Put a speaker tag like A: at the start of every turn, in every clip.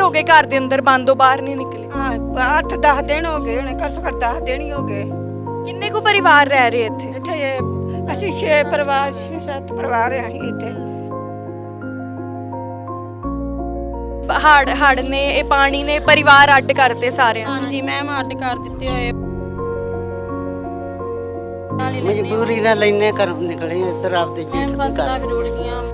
A: ਹੋ ਗਏ ਘਰ ਦੇ ਅੰਦਰ ਬੰਦ ਹੋ, ਬਾਹਰ ਨਹੀਂ ਨਿਕਲੇ?
B: ਹਾਂ 8-10 ਦਿਨ ਹੋ ਗਏ ਹੁਣੇ, ਘੱਟੋ ਘੱਟ 10 ਦਿਨ ਹੀ ਹੋ ਗਏ।
A: ਕਿੰਨੇ ਕੁ ਪਰਿਵਾਰ ਰਹਿ ਰਹੇ ਇੱਥੇ?
B: ਇੱਥੇ ਅਸੀਂ 6 ਪਰਿਵਾਰ 6-7 ਪਰਿਵਾਰ ਆ ਅਸੀਂ ਇੱਥੇ।
A: ਹੜ ਨੇ, ਇਹ ਪਾਣੀ ਨੇ ਪਰਿਵਾਰ ਅੱਡ ਕਰਤੇ ਸਾਰਿਆਂ ਨੂੰ।
C: ਹਾਂਜੀ ਮੈਮ, ਅੱਡ ਕਰ ਦਿੱਤੇ ਹੋਏ।
D: ਮਜਬੂਰੀ ਨਾਲ ਲੈਨੇ ਘਰੋਂ ਨਿਕਲੇ ਇੱਧਰ ਆਪਦੇ ਜੇਠ ਦੇ
C: ਫਸਲਾਂ
D: ਘਰ।
C: ਵੀ ਰੁੜ ਗਈਆਂ।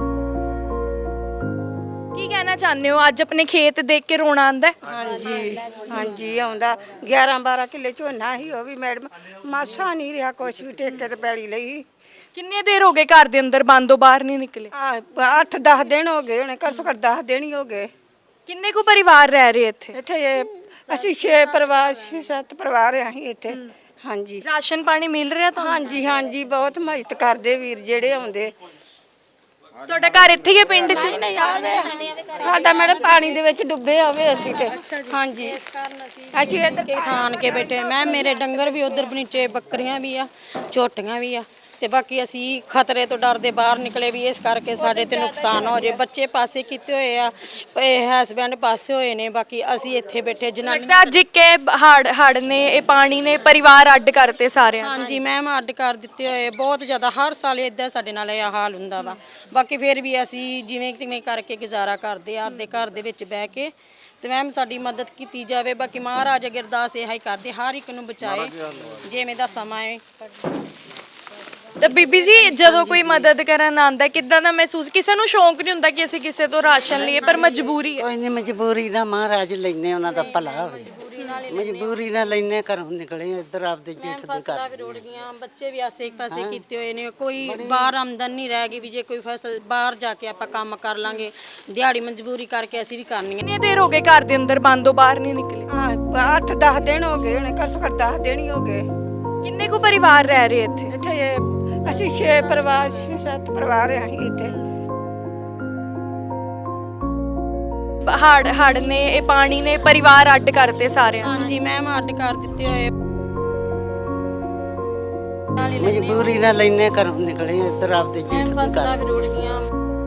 A: ਕੀ ਕਹਿਣਾ ਚਾਹੁੰਦੇ ਹੋ? ਅੱਜ ਆਪਣੇ ਖੇਤ ਦੇਖ ਕੇ ਰੋਣਾ ਆਉਂਦਾ?
B: ਹਾਂਜੀ ਹਾਂਜੀ ਆਉਂਦਾ। 11-12 ਕਿੱਲੇ ਝੋਨਾ ਸੀ, ਉਹ ਵੀ ਮੈਡਮ ਮਾਸਾ ਨਹੀਂ ਰਿਹਾ, ਕੁਛ ਵੀ ਠੇਕੇ ਤੇ ਪੈਲੀ ਲਈ।
A: ਕਿੰਨੇ ਦੇਰ ਹੋ ਗਏ ਘਰ ਦੇ ਅੰਦਰ ਬੰਦ ਹੋ, ਬਾਹਰ ਨਹੀਂ ਨਿਕਲੇ?
B: 8-10 ਦਿਨ ਹੋ ਗਏ ਹੁਣੇ, ਘੱਟੋ ਘੱਟ 10 ਦਿਨ ਹੀ ਹੋ ਗਏ।
A: ਕਿੰਨੇ ਕੁ ਪਰਿਵਾਰ ਰਹਿ ਰਹੇ ਇੱਥੇ?
B: ਇੱਥੇ ਅਸੀਂ 6 ਪਰਿਵਾਰ 6-7 ਪਰਿਵਾਰ ਆ ਅਸੀਂ ਇੱਥੇ। ਹਾਂਜੀ
A: ਰਾਸ਼ਨ ਪਾਣੀ ਮਿਲ ਰਿਹਾ ਤੁਹਾਨੂੰ?
B: ਹਾਂਜੀ ਹਾਂਜੀ ਬਹੁਤ ਮਦਦ ਕਰਦੇ ਵੀਰ ਜਿਹੜੇ ਆਉਂਦੇ।
A: ਤੁਹਾਡਾ ਘਰ ਇੱਥੇ ਹੀ ਹੈ ਪਿੰਡ 'ਚ?
B: ਸਾਡਾ ਮੈਡਮ ਪਾਣੀ ਦੇ ਵਿੱਚ ਡੁੱਬੇ ਆਵੇ ਅਸੀਂ ਤੇ। ਹਾਂਜੀ ਅਸੀਂ ਇੱਧਰ
C: ਕੇ ਖਾਣ ਕੇ ਬੈਠੇ। ਮੈਂ ਮੇਰੇ ਡੰਗਰ ਵੀ ਉਧਰ ਨੀਚੇ, ਬੱਕਰੀਆਂ ਵੀ ਆ, ਝੋਟੀਆਂ ਵੀ ਆ, ਤੇ ਬਾਕੀ ਅਸੀਂ ਖਤਰੇ ਤੋਂ ਡਰਦੇ ਬਾਹਰ ਨਿਕਲੇ ਵੀ ਇਸ ਕਰਕੇ ਸਾਡੇ ਤੇ ਨੁਕਸਾਨ ਹੋ ਜੇ। ਬੱਚੇ ਪਾਸੇ ਕੀਤੇ ਹੋਏ ਆ, ਹਸਬੈਂਡ ਪਾਸੇ ਹੋਏ ਨੇ, ਬਾਕੀ ਅਸੀਂ ਇੱਥੇ ਬੈਠੇ। ਜਨਾਨੀ
A: ਲੱਗਦਾ ਅੱਜ ਕਿ ਹੜ ਨੇ, ਇਹ ਪਾਣੀ ਨੇ ਪਰਿਵਾਰ ਅੱਡ ਕਰਤੇ ਸਾਰਿਆਂ ਨੂੰ।
C: ਹਾਂਜੀ ਮੈਮ, ਅੱਡ ਕਰ ਦਿੱਤੇ ਹੋਏ ਬਹੁਤ ਜ਼ਿਆਦਾ। ਹਰ ਸਾਲ ਇਦਾਂ ਸਾਡੇ ਨਾਲ ਇਹ ਹਾਲ ਹੁੰਦਾ ਵਾ। ਬਾਕੀ ਫਿਰ ਵੀ ਅਸੀਂ ਜਿਵੇਂ ਤਿਵੇਂ ਕਰਕੇ ਗੁਜ਼ਾਰਾ ਕਰਦੇ ਆ ਆਪਦੇ ਘਰ ਦੇ ਵਿੱਚ ਬਹਿ ਕੇ। ਤੇ ਮੈਮ ਸਾਡੀ ਮਦਦ ਕੀਤੀ ਜਾਵੇ। ਬਾਕੀ ਮਹਾਰਾਜ ਅੱਗੇ ਅਰਦਾਸ ਇਹ ਹੀ ਕਰਦੇ, ਹਰ ਇੱਕ ਨੂੰ ਬਚਾਏ ਜਿਵੇਂ ਦਾ ਸਮਾਂ ਹੈ।
A: ਤਾਂ ਬੀਬੀ ਜੀ, ਜਦੋਂ ਕੋਈ ਮਦਦ ਕਰਨ ਆਉਂਦਾ ਕਿੱਦਾਂ ਦਾ ਮਹਿਸੂਸ? ਕਿਸੇ ਨੂੰ ਸ਼ੌਂਕ ਨਹੀਂ ਹੁੰਦਾ ਕਿ ਅਸੀਂ ਕਿਸੇ ਤੋਂ ਰਾਸ਼ਨ ਲਈਏ, ਪਰ ਮਜਬੂਰੀ ਹੈ।
D: ਕੋਈ ਨਹੀਂ, ਮਜਬੂਰੀ ਨਾਲ ਮਹਾਰਾਜ ਲੈਨੇ, ਉਹਨਾਂ ਦਾ ਭਲਾ ਹੋਵੇ। ਮਜਬੂਰੀ ਨਾਲ ਲੈਨੇ ਘਰੋਂ ਨਿਕਲੇ ਇੱਧਰ ਆਪਦੇ ਜੇਠ ਦੇ
C: ਫਸਲਾਂ ਵੀ
D: ਘਰ।
C: ਰੁੜ ਗਈਆਂ, ਬੱਚੇ ਵੀ ਆਸੇ ਪਾਸੇ ਕੀਤੇ ਹੋਏ ਨੇ। ਕੋਈ ਬਾਹਰ ਆਮਦਨ ਨਹੀਂ ਰਹਿ ਗਈ ਵੀ ਜੇ ਕੋਈ ਫਸਲ ਬਾਹਰ ਜਾ ਕੇ ਆਪਾਂ ਕੰਮ ਕਰ ਲਾਂਗੇ। ਦਿਹਾੜੀ ਮਜਬੂਰੀ ਕਰਕੇ ਅਸੀਂ ਵੀ ਕਰਨੀ ਹੈ।
A: ਕਿੰਨੇ ਦੇਰ ਹੋ ਗਏ ਘਰ ਦੇ ਅੰਦਰ ਬੰਦ ਹੋ, ਬਾਹਰ ਨਹੀਂ ਨਿਕਲੇ?
B: 8-10 ਦਿਨ ਹੋ ਗਏ ਹੁਣੇ, ਘੱਟੋ ਘੱਟ 10 ਦਿਨ ਹੀ ਹੋ ਗਏ।
A: ਕਿੰਨੇ ਕੁ ਪਰਿਵਾਰ ਰਹਿ ਰਹੇ ਇੱਥੇ?
B: ਇੱਥੇ ਅਸੀਂ 6 ਪਰਿਵਾਰ 6-7 ਪਰਿਵਾਰ ਆ ਅਸੀਂ ਇੱਥੇ।
A: ਹੜ ਨੇ, ਇਹ ਪਾਣੀ ਨੇ ਪਰਿਵਾਰ ਅੱਡ ਕਰਤੇ ਸਾਰਿਆਂ ਨੂੰ।
C: ਹਾਂਜੀ ਮੈਮ, ਅੱਡ ਕਰ ਦਿੱਤੇ ਹੋਏ।
D: ਮਜਬੂਰੀ ਨਾਲ ਲੈਨੇ ਘਰੋਂ ਨਿਕਲੇ ਇੱਧਰ ਆਪਦੇ ਜੇਠ ਦੇ
C: ਫਸਲਾਂ
D: ਘਰ।
C: ਵੀ ਰੁੜ ਗਈਆਂ।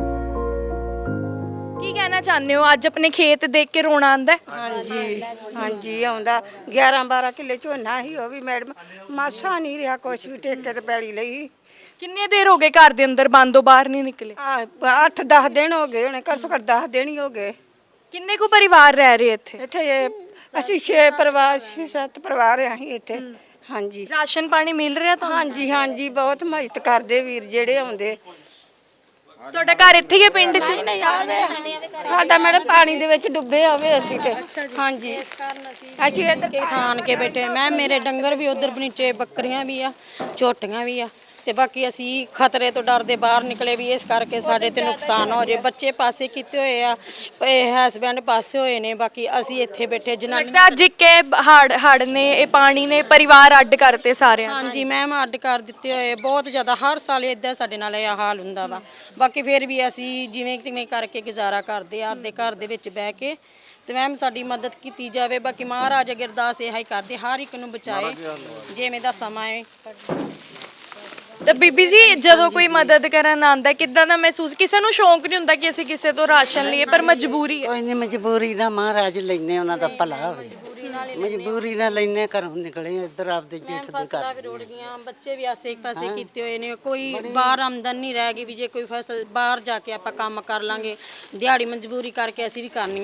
A: ਕੀ ਕਹਿਣਾ ਚਾਹੁੰਦੇ ਹੋ? ਅੱਜ ਆਪਣੇ ਖੇਤ ਦੇਖ ਕੇ ਰੋਣਾ ਆਉਂਦਾ?
B: ਹਾਂਜੀ ਹਾਂਜੀ ਆਉਂਦਾ। 11-12 ਕਿੱਲੇ ਝੋਨਾ ਸੀ, ਉਹ ਵੀ ਮੈਡਮ ਮਾਸਾ ਨਹੀਂ ਰਿਹਾ, ਕੁਛ ਵੀ ਠੇਕੇ ਤੇ ਪੈਲੀ ਲਈ।
A: ਕਿੰਨੇ ਦੇਰ ਹੋ ਗਏ ਘਰ ਦੇ ਅੰਦਰ ਬੰਦ ਹੋ, ਬਾਹਰ ਨਹੀਂ ਨਿਕਲੇ?
B: 8-10 ਦਿਨ ਹੋ ਗਏ ਹੁਣੇ, ਘੱਟੋ ਘੱਟ 10 ਦਿਨ ਹੀ ਹੋ ਗਏ।
A: ਕਿੰਨੇ ਕੁ ਪਰਿਵਾਰ ਰਹਿ ਰਹੇ ਇੱਥੇ?
B: ਇੱਥੇ ਅਸੀਂ 6 ਪਰਿਵਾਰ 6-7 ਪਰਿਵਾਰ ਆ ਅਸੀਂ ਇੱਥੇ। ਹਾਂਜੀ
A: ਰਾਸ਼ਨ ਪਾਣੀ ਮਿਲ ਰਿਹਾ ਤੁਹਾਨੂੰ?
B: ਹਾਂਜੀ ਹਾਂਜੀ ਬਹੁਤ ਮਦਦ ਕਰਦੇ ਵੀਰ ਜਿਹੜੇ ਆਉਂਦੇ।
A: ਤੁਹਾਡਾ ਘਰ ਇੱਥੇ ਹੀ ਹੈ ਪਿੰਡ 'ਚ?
B: ਸਾਡਾ ਮੈਡਮ ਪਾਣੀ ਦੇ ਵਿੱਚ ਡੁੱਬੇ ਆਵੇ ਅਸੀਂ ਤੇ। ਹਾਂਜੀ ਅਸੀਂ ਇੱਧਰ
C: ਕੇ ਖਾਣ ਕੇ ਬੈਠੇ। ਮੈਂ ਮੇਰੇ ਡੰਗਰ ਵੀ ਉਧਰ ਨੀਚੇ, ਬੱਕਰੀਆਂ ਵੀ ਆ, ਝੋਟੀਆਂ ਵੀ ਆ, ਤੇ ਬਾਕੀ ਅਸੀਂ ਖਤਰੇ ਤੋਂ ਡਰਦੇ ਬਾਹਰ ਨਿਕਲੇ ਵੀ ਇਸ ਕਰਕੇ ਸਾਡੇ ਤੇ ਨੁਕਸਾਨ ਹੋ ਜੇ। ਬੱਚੇ ਪਾਸੇ ਕੀਤੇ ਹੋਏ ਆ, ਹਸਬੈਂਡ ਪਾਸੇ ਹੋਏ ਨੇ, ਬਾਕੀ ਅਸੀਂ ਇੱਥੇ ਬੈਠੇ। ਜਨਾਨੀ
A: ਲੱਗਦਾ ਅੱਜ ਕਿ ਹੜ ਨੇ, ਇਹ ਪਾਣੀ ਨੇ ਪਰਿਵਾਰ ਅੱਡ ਕਰਤੇ ਸਾਰਿਆਂ ਨੂੰ।
C: ਹਾਂਜੀ ਮੈਮ, ਅੱਡ ਕਰ ਦਿੱਤੇ ਹੋਏ ਬਹੁਤ ਜ਼ਿਆਦਾ। ਹਰ ਸਾਲ ਇਦਾਂ ਸਾਡੇ ਨਾਲ ਇਹ ਹਾਲ ਹੁੰਦਾ ਵਾ। ਬਾਕੀ ਫਿਰ ਵੀ ਅਸੀਂ ਜਿਵੇਂ ਤਿਵੇਂ ਕਰਕੇ ਗੁਜ਼ਾਰਾ ਕਰਦੇ ਆ ਆਪਦੇ ਘਰ ਦੇ ਵਿੱਚ ਬਹਿ ਕੇ। ਤੇ ਮੈਮ ਸਾਡੀ ਮਦਦ ਕੀਤੀ ਜਾਵੇ। ਬਾਕੀ ਮਹਾਰਾਜ ਅੱਗੇ ਅਰਦਾਸ ਇਹ ਹੀ ਕਰਦੇ, ਹਰ ਇੱਕ ਨੂੰ ਬਚਾਏ ਜਿਵੇਂ ਦਾ ਸਮਾਂ ਹੈ।
A: ਤਾਂ ਬੀਬੀ ਜੀ, ਜਦੋਂ ਕੋਈ ਮਦਦ ਕਰਨ ਆਉਂਦਾ ਕਿੱਦਾਂ ਦਾ ਮਹਿਸੂਸ? ਕਿਸੇ ਨੂੰ ਸ਼ੌਂਕ ਨਹੀਂ ਹੁੰਦਾ ਕਿ ਅਸੀਂ ਕਿਸੇ ਤੋਂ ਰਾਸ਼ਨ ਲਈਏ, ਪਰ ਮਜਬੂਰੀ ਹੈ।
D: ਕੋਈ ਨਹੀਂ, ਮਜਬੂਰੀ ਨਾਲ ਮਹਾਰਾਜ ਲੈਨੇ, ਉਹਨਾਂ ਦਾ ਭਲਾ ਹੋਵੇ। ਮਜਬੂਰੀ ਨਾਲ ਲੈਨੇ ਘਰੋਂ ਨਿਕਲੇ ਇੱਧਰ ਆਪਦੇ ਜੇਠ ਦੇ
C: ਫਸਲਾਂ ਵੀ
D: ਘਰ।
C: ਰੁੜ ਗਈਆਂ, ਬੱਚੇ ਵੀ ਆਸੇ ਪਾਸੇ ਕੀਤੇ ਹੋਏ ਨੇ। ਕੋਈ ਬਾਹਰ ਆਮਦਨ ਨਹੀਂ ਰਹਿ ਗਈ ਵੀ ਜੇ ਕੋਈ ਫਸਲ ਬਾਹਰ ਜਾ ਕੇ ਆਪਾਂ ਕੰਮ ਕਰ ਲਾਂਗੇ। ਦਿਹਾੜੀ ਮਜਬੂਰੀ ਕਰਕੇ ਅਸੀਂ ਵੀ ਕਰਨੀ ਹੈ।